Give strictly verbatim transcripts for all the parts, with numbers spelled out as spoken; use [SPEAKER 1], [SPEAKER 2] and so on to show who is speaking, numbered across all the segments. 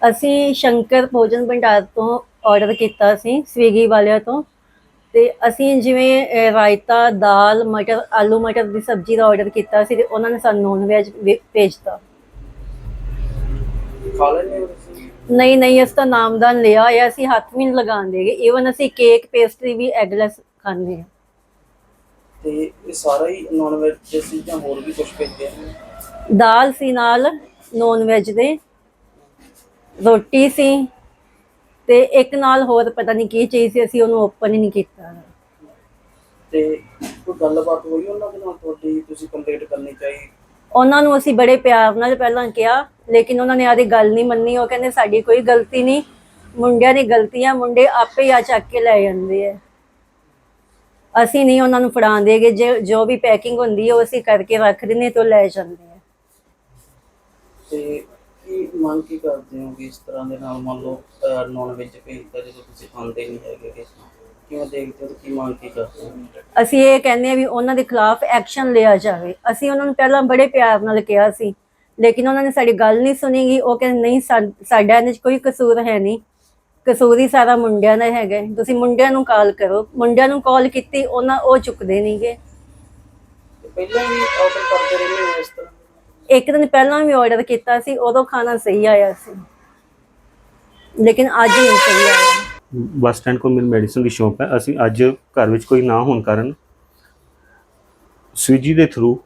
[SPEAKER 1] ਅਸੀਂ ਸ਼ੰਕਰ ਭੋਜਨ ਭੰਡਾਰ ਤੋਂ ਆਰਡਰ ਕੀਤਾ ਸੀ ਸਵੀਗੀ ਵਾਲਿਆਂ ਤੋਂ। ਤੇ ਅਸੀਂ ਜਿਵੇਂ ਅਹ, ਰਾਇਤਾ, ਦਾਲ, ਮਟਰ, ਆਲੂ ਮਟਰ ਦੀ ਸਬਜ਼ੀ ਦਾ ਆਰਡਰ ਕੀਤਾ ਸੀ ਤੇ ਉਹਨਾਂ ਨੇ ਸਾਨੂੰ ਨੌਨ ਵੈਜ ਭੇਜਤਾ।
[SPEAKER 2] ਖਾ ਲੈਂਦੇ ਹੋ ਤੁਸੀਂ?
[SPEAKER 1] ਨਹੀਂ ਨਹੀਂ, ਅਸੀਂ ਤਾਂ ਨਾਮਦਾਨ ਲਿਆ ਹੋਇਆ, ਅਸੀਂ ਹੱਥ ਵੀ ਨਹੀਂ ਲਗਾਉਣ ਦੇਗੇ। ਈਵਨ ਅਸੀਂ ਕੇਕ ਪੇਸਟਰੀ ਵੀ ਐਗਲੈਸ ਖਾਂਦੇ ਹਾਂ।
[SPEAKER 2] ਤੇ ਇਹ ਸਾਰਾ ਹੀ ਨੌਨ ਵੈਜ ਸੀ ਜਾਂ ਹੋਰ ਵੀ ਕੁਝ ਭੇਜਿਆ?
[SPEAKER 1] ਦਾਲ ਸੀ ਨਾਲ ਨੌਨ ਵੈਜ ਦੇ, ਰੋਟੀ ਸੀ ਤੇ ਇੱਕ ਨਾਲ ਹੋਰ ਪਤਾ ਨਹੀਂ ਕੀ ਚੀਜ਼ ਸੀ, ਅਸੀਂ ਉਹਨੂੰ ਓਪਨ ਹੀ ਨਹੀਂ ਕੀਤਾ।
[SPEAKER 2] ਤੇ ਕੋਈ ਗੱਲਬਾਤ ਹੋਈ ਉਹਨਾਂ ਦੇ ਨਾਲ ਤੁਹਾਡੀ, ਤੁਸੀਂ ਕੰਪਲੀਟ ਕਰਨੀ ਚਾਹੀ?
[SPEAKER 1] ਉਹਨਾਂ ਨੂੰ ਅਸੀਂ ਬੜੇ ਪਿਆਰ ਨਾਲ ਪਹਿਲਾਂ ਕਿਹਾ, ਲੇਕਿਨ ਉਹਨਾਂ ਨੇ ਆਦੀ ਗੱਲ ਨਹੀਂ ਮੰਨੀ। ਉਹ ਕਹਿੰਦੇ ਸਾਡੀ ਕੋਈ ਗਲਤੀ ਨਹੀਂ, ਮੁੰਡਿਆਂ ਦੀ ਗਲਤੀ ਆ, ਮੁੰਡੇ ਆਪੇ ਹੀ ਆ ਚੱਕ ਕੇ ਲੈ ਜਾਂਦੇ ਆ, ਅਸੀਂ ਨਹੀਂ ਉਹਨਾਂ ਨੂੰ ਫੜਾਉਣ ਦੇਗੇ। ਜੇ ਜੋ ਵੀ ਪੈਕਿੰਗ ਹੁੰਦੀ ਹੈ ਉਹ ਅਸੀਂ ਕਰਕੇ ਰੱਖ ਦਿੰਦੇ ਤੇ ਉਹ ਲੈ ਜਾਂਦੇ ਆ।
[SPEAKER 2] ਤੇ ਕੀ ਮੰਗ ਕੀ ਕਰਦੇ ਹੋ ਕਿ ਇਸ ਤਰ੍ਹਾਂ ਦੇ ਨਾਲ ਮੰਨ ਲਓ ਨੌਨ ਵੈਜ ਭੇਜਦਾ ਜਦੋਂ ਤੁਸੀਂ ਖਾਂਦੇ ਨਹੀਂ ਹੈਗੇ, ਕਿਵੇਂ ਦੇਖਦੇ ਹੋ, ਕੀ ਮੰਗ ਕੀ ਕਰਦੇ ਹੋ?
[SPEAKER 1] ਅਸੀਂ ਇਹ ਕਹਿੰਦੇ ਆ ਵੀ ਉਹਨਾਂ ਦੇ ਖਿਲਾਫ ਐਕਸ਼ਨ ਲਿਆ ਜਾਵੇ। ਅਸੀਂ ਉਹਨਾਂ ਨੂੰ ਪਹਿਲਾਂ ਬੜੇ ਪਿਆਰ ਨਾਲ ਕਿਹਾ ਸੀ, ਲੇਕਿਨ ਉਹਨਾਂ ਨੇ ਸਾਡੀ ਗੱਲ ਨਹੀਂ ਸੁਣੀਗੀ। ਉਹ ਕਹਿੰਦੇ ਨਹੀਂ, ਸਾਡਾ ਇਹਦੇ 'ਚ ਕੋਈ ਕਸੂਰ ਹੈ ਨਹੀਂ, ਕਸੂਰ ਹੀ ਸਾਰਾ ਮੁੰਡਿਆਂ ਦਾ ਹੈਗਾ, ਤੁਸੀਂ ਮੁੰਡਿਆਂ ਨੂੰ ਕਾਲ ਕਰੋ। ਮੁੰਡਿਆਂ ਨੂੰ ਕਾਲ ਕੀਤੀ, ਉਹਨਾਂ ਉਹ ਚੁੱਕਦੇ ਨਹੀਂਗੇ।
[SPEAKER 2] ਪਹਿਲਾਂ ਵੀ ਆਰਡਰ ਕਰਦੇ ਰਹਿੰਦੇ ਹੋ ਇਸ ਤਰ੍ਹਾਂ?
[SPEAKER 1] ਇੱਕ ਦਿਨ ਪਹਿਲਾਂ ਵੀ ਆਰਡਰ ਕੀਤਾ ਸੀ, ਉਦੋਂ ਖਾਣਾ ਸਹੀ ਆਇਆ ਸੀ, ਲੇਕਿਨ ਅੱਜ ਨਹੀਂ ਸਹੀ ਆਇਆ।
[SPEAKER 3] ਬੱਸ ਸਟੈਂਡ ਕੋਲ ਮੇਰੀ ਮੈਡੀਸਨ ਦੀ ਸ਼ੌਪ ਹੈ। ਅਸੀਂ ਅੱਜ ਘਰ ਵਿੱਚ ਕੋਈ ਨਾ ਹੋਣ ਕਾਰਨ ਸਵੀਗੀ ਦੇ ਥਰੂ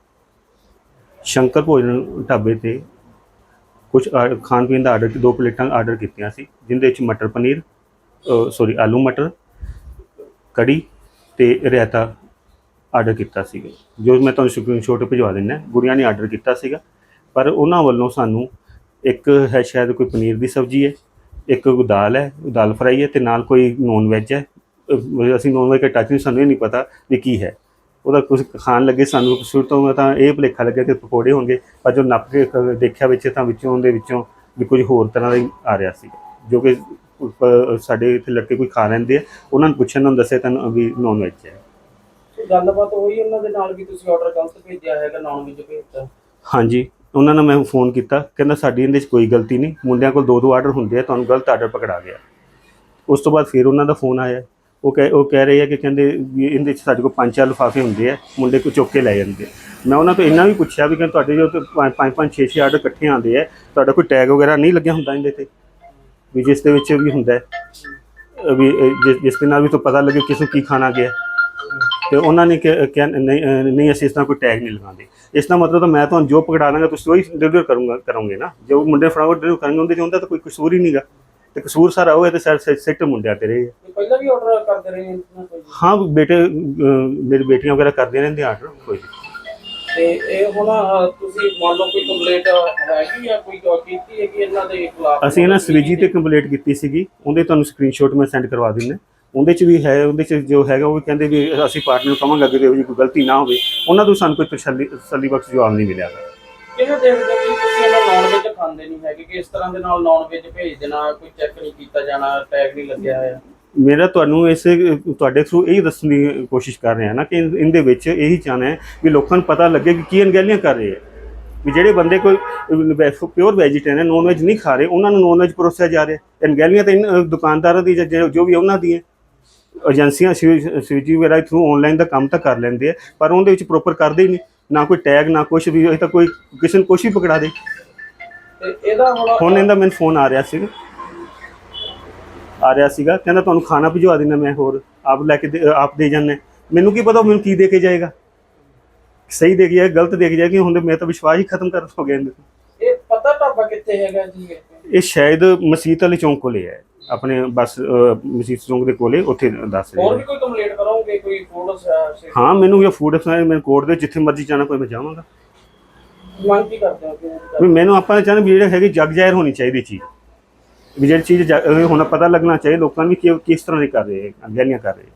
[SPEAKER 3] ਸ਼ੰਕਰ ਭੋਜਨ ਢਾਬੇ 'ਤੇ ਕੁਝ ਖਾਣ ਪੀਣ ਦਾ ਆਰਡਰ, ਦੋ ਪਲੇਟਾਂ ਆਰਡਰ ਕੀਤੀਆਂ ਸੀ, ਜਿਹਦੇ ਵਿੱਚ ਮਟਰ ਪਨੀਰ ਸੋਰੀ ਆਲੂ ਮਟਰ, ਕੜੀ ਅਤੇ ਰਾਇਤਾ ਆਰਡਰ ਕੀਤਾ ਸੀਗਾ, ਜੋ ਮੈਂ ਤੁਹਾਨੂੰ ਸਕਰੀਨਸ਼ੋਟ ਭਿਜਵਾ ਦਿੰਦਾ। ਗੁੜੀਆਂ ਨੇ ਆਰਡਰ ਕੀਤਾ ਸੀਗਾ, ਪਰ ਉਹਨਾਂ ਵੱਲੋਂ ਸਾਨੂੰ ਇੱਕ ਹੈ ਸ਼ਾਇਦ ਕੋਈ ਪਨੀਰ ਦੀ ਸਬਜ਼ੀ ਹੈ, ਇੱਕ ਦਾਲ ਹੈ, ਦਾਲ ਫਰਾਈ ਹੈ, ਅਤੇ ਨਾਲ ਕੋਈ ਨੌਨ ਵੈਜ ਹੈ। ਅਸੀਂ ਨੌਨ ਵੈਜ ਦਾ ਟੱਚ ਨਹੀਂ, ਸਾਨੂੰ ਇਹ ਨਹੀਂ ਪਤਾ ਵੀ ਕੀ ਹੈ। ਉਹਦਾ ਕੁਝ ਖਾਣ ਲੱਗੇ ਸਾਨੂੰ ਸ਼ੁਰੂ ਤੋਂ ਤਾਂ ਇਹ ਭੁਲੇਖਾ ਲੱਗਿਆ ਕਿ ਪਕੌੜੇ ਹੋਣਗੇ, ਪਰ ਜੋ ਨੱਪ ਕੇ ਦੇਖਿਆ ਵਿੱਚ ਤਾਂ ਵਿੱਚੋਂ ਉਹਦੇ ਵਿੱਚੋਂ ਵੀ ਕੁਝ ਹੋਰ ਤਰ੍ਹਾਂ ਦਾ ਹੀ ਆ ਰਿਹਾ ਸੀ, ਜੋ ਕਿ ਸਾਡੇ ਇੱਥੇ ਲੜਕੇ ਕੋਈ ਖਾ ਲੈਂਦੇ ਆ। ਉਹਨਾਂ ਨੂੰ ਪੁੱਛਣ ਨੂੰ ਦੱਸਿਆ ਤਾਂ ਵੀ ਨੌਨ ਵੈਜ ਹੈ।
[SPEAKER 2] ਗੱਲਬਾਤ ਹੋਈ ਉਹਨਾਂ ਦੇ ਨਾਲ ਵੀ ਤੁਸੀਂ ਆਰਡਰ ਗਲਤ ਭੇਜਿਆ ਹੈਗਾ, ਨੌਨ ਵੈਜ ਭੇਜਤਾ? ਹਾਂਜੀ,
[SPEAKER 3] ਉਹਨਾਂ ਨੂੰ ਮੈਂ ਫੋਨ ਕੀਤਾ, ਕਹਿੰਦਾ ਸਾਡੀ ਇਹਦੇ 'ਚ ਕੋਈ ਗਲਤੀ ਨਹੀਂ, ਮੁੰਡਿਆਂ ਕੋਲ ਦੋ ਦੋ ਆਰਡਰ ਹੁੰਦੇ ਆ, ਤੁਹਾਨੂੰ ਗਲਤ ਆਰਡਰ ਪਕੜਾ ਗਿਆ। ਉਸ ਤੋਂ ਬਾਅਦ ਫਿਰ ਉਹਨਾਂ ਦਾ ਫੋਨ ਆਇਆ, ਉਹ ਕਹਿ ਉਹ ਕਹਿ ਰਹੇ ਆ ਕਿ ਕਹਿੰਦੇ ਵੀ ਇਹਦੇ 'ਚ ਸਾਡੇ ਕੋਲ ਪੰਜ ਚਾਰ ਲਿਫਾਫੇ ਹੁੰਦੇ ਆ, ਮੁੰਡੇ ਕੋ ਚੁੱਕ ਕੇ ਲੈ ਜਾਂਦੇ। ਮੈਂ ਉਹਨਾਂ ਤੋਂ ਇੰਨਾ ਵੀ ਪੁੱਛਿਆ ਵੀ ਕਹਿੰਦੇ ਤੁਹਾਡੇ ਜੋ ਪੰਜ ਪੰਜ ਪੰਜ ਛੇ ਛੇ ਆਰਡਰ ਇਕੱਠੇ ਆਉਂਦੇ ਆ, ਤੁਹਾਡਾ ਕੋਈ ਟੈਗ ਵਗੈਰਾ ਨਹੀਂ ਲੱਗਿਆ ਹੁੰਦਾ ਇਹਦੇ 'ਤੇ, ਵੀ ਜਿਸ ਦੇ ਵਿੱਚ ਵੀ ਹੁੰਦਾ ਵੀ ਜਿਸ ਜਿਸ ਦੇ ਨਾਲ ਵੀ ਤੋਂ ਪਤਾ ਲੱਗੇ ਕਿਸ ਨੂੰ ਕੀ ਖਾਣਾ ਗਿਆ। ਤੇ ਉਹਨਾਂ ਨੇ ਕਿਹਾ ਨਹੀਂ ਨਹੀਂ ਅਸੀਂ ਇਸ ਤਰ੍ਹਾਂ ਕੋਈ ਟੈਗ ਨਹੀਂ ਲਗਾਉਂਦੇ। ਇਸ ਦਾ ਮਤਲਬ ਤਾਂ ਮੈਂ ਤੁਹਾਨੂੰ ਜੋ ਪਕੜਾ ਦਾਂਗਾ ਤੁਸੀਂ ਉਹੀ ਡਿਲੀਵਰ ਕਰੂੰਗਾ ਕਰੋਗੇ ਨਾ, ਜੋ ਮੁੰਡੇ ਫੜਾਓ ਡਿਲੀਵਰ ਕਰਾਂਗੇ, ਉਹਦੇ 'ਚ ਹੁੰਦਾ ਤਾਂ ਕੋਈ ਕਸੂਰ ਹੀ ਨਹੀਂਗਾ, ਤੇ ਕਸੂਰ ਸਾਰਾ ਉਹ ਹੈ ਤੇ ਸਾਰੇ ਸਿੱਟ ਮੁੰਡਿਆਂ ਤੇ ਰਹੇ।
[SPEAKER 2] ਪਹਿਲਾਂ ਵੀ ਆਰਡਰ ਕਰਦੇ ਰਹੇ?
[SPEAKER 3] ਹਾਂ, ਬੇਟੇ ਮੇਰੀ ਬੇਟੀਆਂ ਵਗੈਰਾ ਕਰਦੀਆਂ ਰਹਿੰਦੇ ਆਰਡਰ ਕੋਈ।
[SPEAKER 2] ਤੇ ਇਹ ਹੁਣ ਤੁਸੀਂ ਮੰਨ ਲਓ ਕੋਈ ਕੰਪਲੇਂਟ ਹੈਗੀ ਆ, ਕੋਈ ਕੀਤੀ ਹੈ ਕਿ ਇਹਨਾਂ ਦੇ ਖਿਲਾਫ? ਅਸੀਂ
[SPEAKER 3] ਇਹਨਾਂ ਸਵੀਗੀ ਤੇ ਕੰਪਲੇਂਟ ਕੀਤੀ ਸੀਗੀ, ਉਹਦੇ ਤੁਹਾਨੂੰ ਸਕਰੀਨਸ਼ੋਟ ਮੈਂ ਸੈਂਡ ਕਰਵਾ ਦਿੰਦਾ। ਉਹਦੇ 'ਚ ਵੀ ਹੈ, ਉਹਦੇ 'ਚ ਜੋ ਹੈਗਾ ਉਹ ਵੀ ਕਹਿੰਦੇ ਵੀ ਅਸੀਂ ਪਾਰਟਨਰ ਨੂੰ ਕਹਾਂਗੇ ਅੱਗੇ ਇਹੋ ਜਿਹੀ ਕੋਈ ਗਲਤੀ ਨਾ ਹੋਵੇ। ਉਹਨਾਂ ਤੋਂ ਸਾਨੂੰ ਕੋਈ ਤਸੱਲੀ ਤਸੱਲੀ ਬਖਸ਼ ਜਵਾਬ ਨਹੀਂ ਮਿਲਿਆ।
[SPEAKER 2] ਕਿਵੇਂ ਦੇਖਦੇ ਹੋ ਕਿ ਤੁਸੀਂ ਇਹਨਾਂ ਨੌਨ ਵੈਜ ਖਾਂਦੇ ਨਹੀਂ ਹੈਗੇ, ਕਿ ਇਸ ਤਰ੍ਹਾਂ ਦੇ ਨਾਲ ਨੌਨ ਵੈਜ ਭੇਜ ਦੇਣਾ, ਕੋਈ ਚੈੱਕ ਨਹੀਂ ਕੀਤਾ ਜਾਣਾ, ਟੈਗ ਨਹੀਂ ਲੱਗਿਆ ਹੋਇਆ?
[SPEAKER 3] ਮੇਰਾ ਤੁਹਾਨੂੰ ਇਸੇ ਤੁਹਾਡੇ ਥਰੂ ਇਹੀ ਦੱਸਣ ਦੀ ਕੋਸ਼ਿਸ਼ ਕਰ ਰਿਹਾ ਨਾ ਕਿ ਇਹਦੇ ਵਿੱਚ ਇਹੀ ਚਾਹੁੰਦਾ ਹੈ ਵੀ ਲੋਕਾਂ ਨੂੰ ਪਤਾ ਲੱਗੇ ਕਿ ਕੀ ਅਣਗਹਿਲੀਆਂ ਕਰ ਰਹੇ ਹੈ, ਵੀ ਜਿਹੜੇ ਬੰਦੇ ਕੋਈ ਪਿਓਰ ਵੈਜੀਟੇਰੀਅਨ ਨੌਨ ਵੈਜ ਨਹੀਂ ਖਾ ਰਹੇ, ਉਹਨਾਂ ਨੂੰ ਨੌਨ ਵੈਜ ਪਰੋਸਿਆ ਜਾ ਰਿਹਾ। ਅਣਗਹਿਲੀਆਂ ਤਾਂ ਇਨ ਦੁਕਾਨਦਾਰਾਂ ਦੀ ਜੋ ਵੀ ਉਹਨਾਂ ਦੀਆਂ ਏਜੰਸੀਆਂ ਸਵੀਗੀ ਵਗੈਰਾ ਥਰੂ ਔਨਲਾਈਨ ਦਾ ਕੰਮ ਤਾਂ ਕਰ ਲੈਂਦੇ ਆ, ਪਰ ਉਹਦੇ ਵਿੱਚ ਪ੍ਰੋਪਰ ਕਰਦੇ ਹੀ ਨਹੀਂ, ਨਾ ਕੋਈ ਟੈਗ ਨਾ ਕੁਛ ਵੀ। ਇਹ ਤਾਂ ਕੋਈ ਕਿਸੇ ਨੂੰ ਕੁਛ ਵੀ ਪਕੜਾ ਦੇ।
[SPEAKER 2] ਇਹਦਾ
[SPEAKER 3] ਹੁਣ ਇਹਦਾ ਮੈਨੂੰ ਫੋਨ ਆ ਰਿਹਾ ਸੀਗਾ ਆ ਰਿਹਾ ਸੀਗਾ ਕਹਿੰਦਾ ਤੁਹਾਨੂੰ ਖਾਣਾ ਭਿਜਵਾ ਦੇਣਾ ਮੈਂ, ਹੋਰ ਆਪ ਲੈ ਕੇ ਆਪ ਦੇ ਜਾਂਦੇ। ਮੈਨੂੰ ਕੀ ਪਤਾ ਮੈਨੂੰ ਕੀ ਦੇ ਕੇ ਜਾਏਗਾ, ਸਹੀ ਦੇ ਕੇ ਜਾਏਗਾ ਗਲਤ ਦੇ ਕੇ ਜਾਏਗਾ। ਹੁਣ ਮੈਂ ਤਾਂ ਵਿਸ਼ਵਾਸ ਹੀ ਖਤਮ ਕਰ ਹੋ ਗਿਆ।
[SPEAKER 2] ਇਹ ਪਤਾ ਢਾਬਾ ਕਿੱਥੇ ਹੈਗਾ ਜੀ?
[SPEAKER 3] ਇਹ ਸ਼ਾਇਦ ਮਸੀਤ ਵਾਲੇ ਚੌਂਕ ਕੋਲੇ ਹੈ, ਆਪਣੇ ਬੱਸ ਮਸੀਤ ਚੌਂਕ ਦੇ ਕੋਲੇ, ਉੱਥੇ ਦੱਸ ਰਹੇ।
[SPEAKER 2] ਹੋਰ ਵੀ ਕੋਈ ਕੰਪਲੇਂਟ ਕਰੋਗੇ? ਕੋਈ ਫੂਡ?
[SPEAKER 3] ਹਾਂ, ਮੈਨੂੰ ਇਹ ਫੂਡ ਮੈਨੂੰ ਕੋਰਟ ਦੇ ਜਿੱਥੇ ਮਰਜ਼ੀ ਜਾਣਾ ਕੋਈ ਮੈਂ ਜਾਵਾਂਗਾ।
[SPEAKER 2] ਮੰਗ ਕੀ ਕਰਦੇ ਹੋ
[SPEAKER 3] ਵੀ ਮੈਨੂੰ ਆਪਾਂ ਚਾਹੁੰਦੇ ਵੀ ਜਿਹੜੇ ਹੈਗੀ ਜਗ ਜ਼ਾਹਿਰ ਹੋਣੀ ਚਾਹੀਦੀ ਚੀਜ਼, ਵੀ ਜਿਹੜੀ ਚੀਜ਼ ਹੁਣ ਪਤਾ ਲੱਗਣਾ ਚਾਹੀਦਾ ਲੋਕਾਂ ਨੂੰ ਵੀ ਕਿ ਕਿਸ ਤਰ੍ਹਾਂ ਦੀ ਕਰ ਰਹੇ ਅਣਗਹਿਲੀਆਂ ਕਰ ਰਹੇ।